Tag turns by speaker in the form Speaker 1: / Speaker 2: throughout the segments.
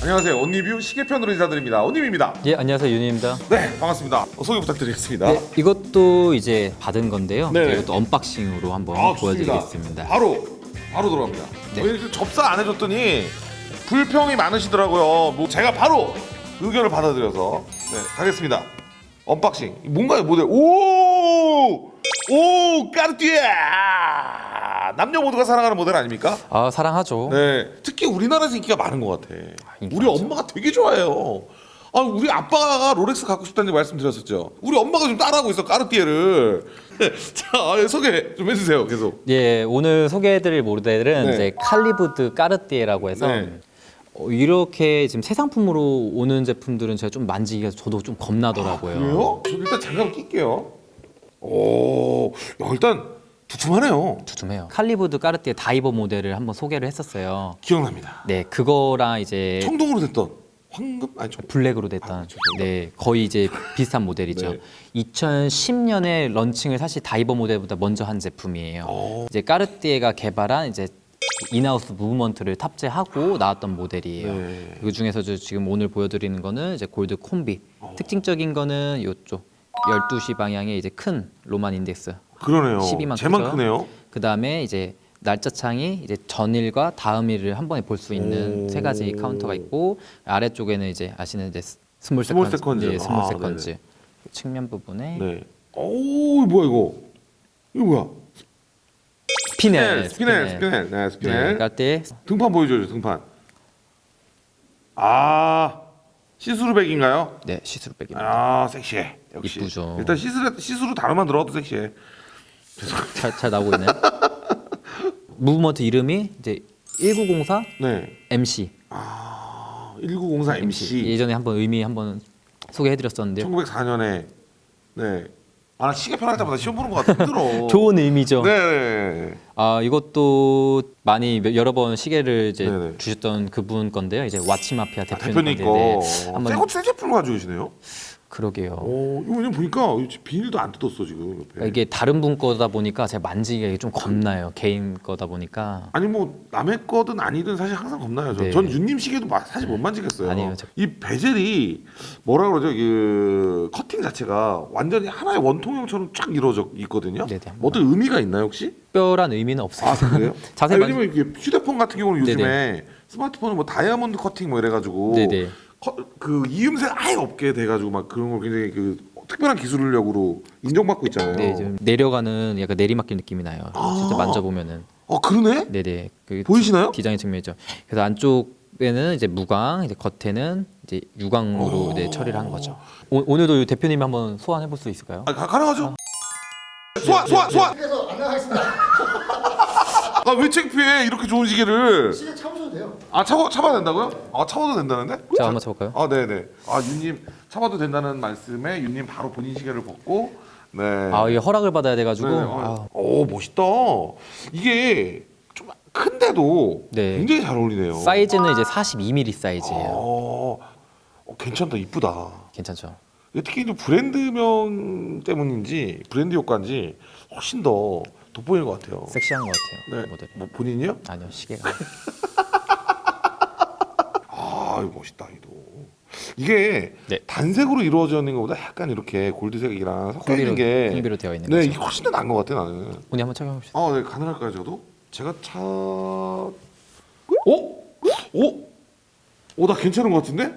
Speaker 1: 안녕하세요. 온리뷰 시계편으로 인사드립니다. 온님입니다.
Speaker 2: 예, 안녕하세요. 윤희입니다.
Speaker 1: 네, 반갑습니다. 소개 부탁드리겠습니다.
Speaker 2: 네, 이것도 이제 받은 건데요.
Speaker 1: 네.
Speaker 2: 이것도 언박싱으로 한번
Speaker 1: 좋습니다.
Speaker 2: 보여드리겠습니다.
Speaker 1: 바로 들어갑니다.
Speaker 2: 네.
Speaker 1: 왜 접사 안 해줬더니 불평이 많으시더라고요. 뭐 제가 바로 의견을 받아들여서 가겠습니다. 언박싱. 뭔가요, 모델? 오, 까르띠에. 남녀 모두가 사랑하는 모델 아닙니까?
Speaker 2: 아, 사랑하죠.
Speaker 1: 네, 특히 우리나라에서 인기가 많은 것 같아.
Speaker 2: 인기
Speaker 1: 우리
Speaker 2: 많죠.
Speaker 1: 엄마가 되게 좋아해요. 아, 우리 아빠가 롤렉스 갖고 싶다는 말씀드렸었죠. 우리 엄마가 좀 따라하고 있어, 까르띠에를. 자, 소개 좀 해주세요, 계속.
Speaker 2: 예, 오늘 소개해드릴 모델은
Speaker 1: 네.
Speaker 2: 이제 칼리브드 까르띠에라고 해서
Speaker 1: 네.
Speaker 2: 이렇게 지금 새 상품으로 오는 제품들은 제가 좀 만지기가 저도 좀 겁나더라고요.
Speaker 1: 그래요? 저 일단 장갑 낄게요. 오, 야, 일단 두툼하네요.
Speaker 2: 두툼해요. 칼리브드 까르띠에 다이버 모델을 한번 소개를 했었어요.
Speaker 1: 기억납니다.
Speaker 2: 네, 그거랑 이제
Speaker 1: 청동으로 됐던 황금? 아니,
Speaker 2: 블랙으로 됐던 네 거의 이제 비슷한 모델이죠.
Speaker 1: 네.
Speaker 2: 2010년에 런칭을 사실 다이버 모델보다 먼저 한 제품이에요.
Speaker 1: 오.
Speaker 2: 이제 까르띠에가 개발한 이제 인하우스 무브먼트를 탑재하고 나왔던 모델이에요.
Speaker 1: 네.
Speaker 2: 그 중에서 지금 오늘 보여드리는 거는 이제 골드 콤비. 특징적인 거는 이쪽 12시 방향에 이제 큰 로만 인덱스.
Speaker 1: 그러네요.
Speaker 2: 12만
Speaker 1: 제만
Speaker 2: 크죠?
Speaker 1: 크네요.
Speaker 2: 그 다음에 이제 날짜창이 이제 전일과 다음일을 한 번에 볼 수 있는
Speaker 1: 오.
Speaker 2: 세 가지 카운터가 있고 아래쪽에는 이제 아시는 이제 스몰
Speaker 1: 스몰
Speaker 2: 세컨즈,
Speaker 1: 세컨즈.
Speaker 2: 네, 스몰
Speaker 1: 아,
Speaker 2: 세컨즈 측면 부분에
Speaker 1: 네. 오, 뭐야 이거? 이거 뭐야?
Speaker 2: 스피넬,
Speaker 1: 스피넬. 네, 스피넬.
Speaker 2: 깔때
Speaker 1: 등판 보여줘요, 등판. 아, 시스루백인가요?
Speaker 2: 네 시스루백입니다.
Speaker 1: 아, 섹시해. 역시.
Speaker 2: 이쁘죠.
Speaker 1: 일단 시스루 단어만 들어도 섹시해.
Speaker 2: 잘 나오고 있나요? 무브먼트 이름이 이제 1904
Speaker 1: 네.
Speaker 2: MC.
Speaker 1: 1904 MC.
Speaker 2: 예전에 한번 의미 한번 소개해드렸었는데요.
Speaker 1: 1904년에 네. 아, 나 시계 편할 때마다 시험 보는 것 같아. 힘들어.
Speaker 2: 좋은 의미죠.
Speaker 1: 네.
Speaker 2: 아 이것도 많이 여러 번 시계를 이제
Speaker 1: 네네.
Speaker 2: 주셨던 그분 건데요. 이제 와치 마피아
Speaker 1: 대표님
Speaker 2: 대표님
Speaker 1: 거.
Speaker 2: 건데 한번
Speaker 1: 새 제품을 가지고 계시네요.
Speaker 2: 그러게요.
Speaker 1: 이거 왜냐면 보니까 비닐도 안 뜯었어 지금 옆에.
Speaker 2: 그러니까 이게 다른 분 거다 보니까 제가 만지기가 좀 겁나요. 개인 거다 보니까.
Speaker 1: 아니 뭐 남의 거든 아니든 사실 항상 겁나요.
Speaker 2: 네.
Speaker 1: 전 윤님 시계도 사실 못 만지겠어요.
Speaker 2: 아니에요.
Speaker 1: 이 베젤이 뭐라 그러죠? 그 커팅 자체가 완전히 하나의 원통형처럼 쫙 이루어져 있거든요.
Speaker 2: 네네.
Speaker 1: 뭐 어떤 의미가 있나요 혹시?
Speaker 2: 특별한 의미는 없어요.
Speaker 1: 아 그래요?
Speaker 2: 자세히
Speaker 1: 왜냐면 이게 휴대폰 같은 경우는 요즘에
Speaker 2: 네네.
Speaker 1: 스마트폰은 뭐 다이아몬드 커팅 뭐 이래가지고
Speaker 2: 네네.
Speaker 1: 그 이음새 아예 없게 돼가지고 막 그런 걸 굉장히 그 특별한 기술력으로 인정받고 있잖아요.
Speaker 2: 네, 좀 내려가는 약간 내리막길 느낌이 나요. 진짜 만져보면은.
Speaker 1: 그러네?
Speaker 2: 네네. 그
Speaker 1: 보이시나요?
Speaker 2: 디자인 측면이죠. 그래서 안쪽에는 이제 무광, 이제 겉에는 이제 유광으로 이제 처리를 한 거죠. 오늘도 이 대표님이 한번 소환해 볼 수 있을까요?
Speaker 1: 가능하죠? 소환!
Speaker 3: 그래서 안 나가겠습니다.
Speaker 1: 아 왜 창피해 이렇게 좋은 시계를.
Speaker 3: 시계 참으셔도 돼요.
Speaker 1: 참아도 된다고요? 참아도 된다는데?
Speaker 2: 제가 한번 쳐볼까요?
Speaker 1: 네네. 윤님 참아도 된다는 말씀에 윤님 바로 본인 시계를 벗고 네.
Speaker 2: 이게 허락을 받아야 돼가지고.
Speaker 1: 네. 멋있다. 이게 좀 큰데도
Speaker 2: 네.
Speaker 1: 굉장히 잘 어울리네요.
Speaker 2: 사이즈는 이제 42mm 사이즈예요.
Speaker 1: 괜찮다. 이쁘다.
Speaker 2: 괜찮죠?
Speaker 1: 특히 이제 브랜드명 때문인지 브랜드 효과인지 훨씬 더 돋보이는 것 같아요.
Speaker 2: 섹시한 것 같아요.
Speaker 1: 네.
Speaker 2: 모델이.
Speaker 1: 뭐 본인이요?
Speaker 2: 아니요, 시계가.
Speaker 1: 이거 멋있다. 이게
Speaker 2: 네.
Speaker 1: 단색으로 이루어져 있는 것보다 약간 이렇게 골드색이랑 섞여 있는 게
Speaker 2: 콤비로 되어 있는
Speaker 1: 네,
Speaker 2: 거죠.
Speaker 1: 이게 훨씬 더 나은 것 같아 나는.
Speaker 2: 오늘 한번 착용해 봅시다.
Speaker 1: 네, 가능할까요, 저도? 제가 나 괜찮은 것 같은데?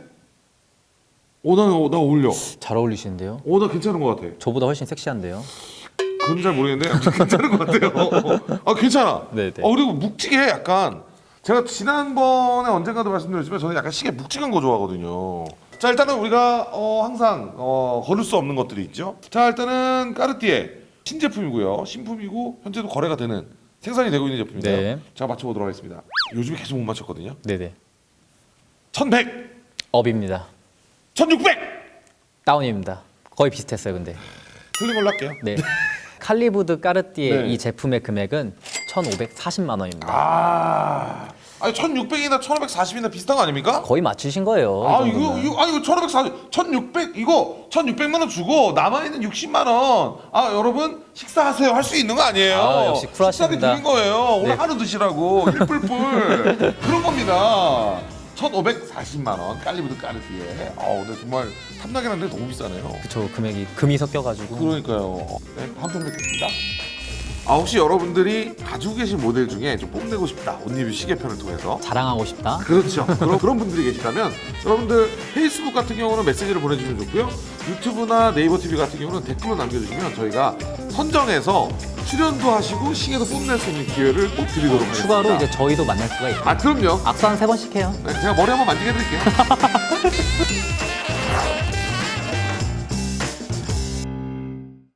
Speaker 1: 나 어울려.
Speaker 2: 잘 어울리시는데요?
Speaker 1: 나 괜찮은 것 같아.
Speaker 2: 저보다 훨씬 섹시한데요?
Speaker 1: 그건 잘 모르겠는데 아무튼 괜찮은 것 같아요. 괜찮아.
Speaker 2: 네네.
Speaker 1: 그리고 묵직해 약간. 제가 지난번에 언젠가도 말씀드렸지만 저는 약간 시계 묵직한 거 좋아하거든요. 자, 일단은 우리가 항상 거를 수 없는 것들이 있죠. 자, 일단은 까르띠에 신제품이고요. 신품이고 현재도 거래가 되는 생산이 되고 있는 제품인데요.
Speaker 2: 네.
Speaker 1: 제가 맞춰보도록 하겠습니다. 요즘에 계속 못 맞췄거든요.
Speaker 2: 네네.
Speaker 1: 1100,
Speaker 2: 업입니다.
Speaker 1: 1600
Speaker 2: 다운입니다. 거의 비슷했어요, 근데.
Speaker 1: 틀린 걸로 할게요.
Speaker 2: 네. 칼리브드 까르띠에
Speaker 1: 네.
Speaker 2: 이 제품의 금액은 1,540만 원입니다.
Speaker 1: 1600이나 1540이나 비슷한 거 아닙니까?
Speaker 2: 거의 맞추신 거예요. 이 정도면.
Speaker 1: 이거 1540, 1600 이거 1600만 원 주고 남아 있는 60만 원. 여러분 식사하세요 할 수 있는 거 아니에요?
Speaker 2: 역시 쿨하십니다.
Speaker 1: 식사비 드린 거예요. 오늘
Speaker 2: 네.
Speaker 1: 하루 드시라고 일뿔뿔 그런 겁니다. 1,540만 원 깔리브드 까르띠에. 근데 정말 탐나긴 한데 너무 비싸네요.
Speaker 2: 그쵸, 금이 섞여가지고.
Speaker 1: 그러니까요. 네, 한 편 뵙겠습니다. 혹시 여러분들이 가지고 계신 모델 중에 좀 뽐내고 싶다, 옷 리뷰 시계편을 통해서.
Speaker 2: 자랑하고 싶다.
Speaker 1: 그렇죠. 그런 분들이 계시다면 여러분들 페이스북 같은 경우는 메시지를 보내주시면 좋고요. 유튜브나 네이버 TV 같은 경우는 댓글로 남겨주시면 저희가 선정해서 출연도 하시고 시계도 뽐낼 수 있는 기회를 꼭 드리도록 하겠습니다.
Speaker 2: 추가로 이제 저희도 만날 수가 있고.
Speaker 1: 그럼요.
Speaker 2: 악수 한 3번씩 해요.
Speaker 1: 네, 제가 머리 한번 만지게 해드릴게요.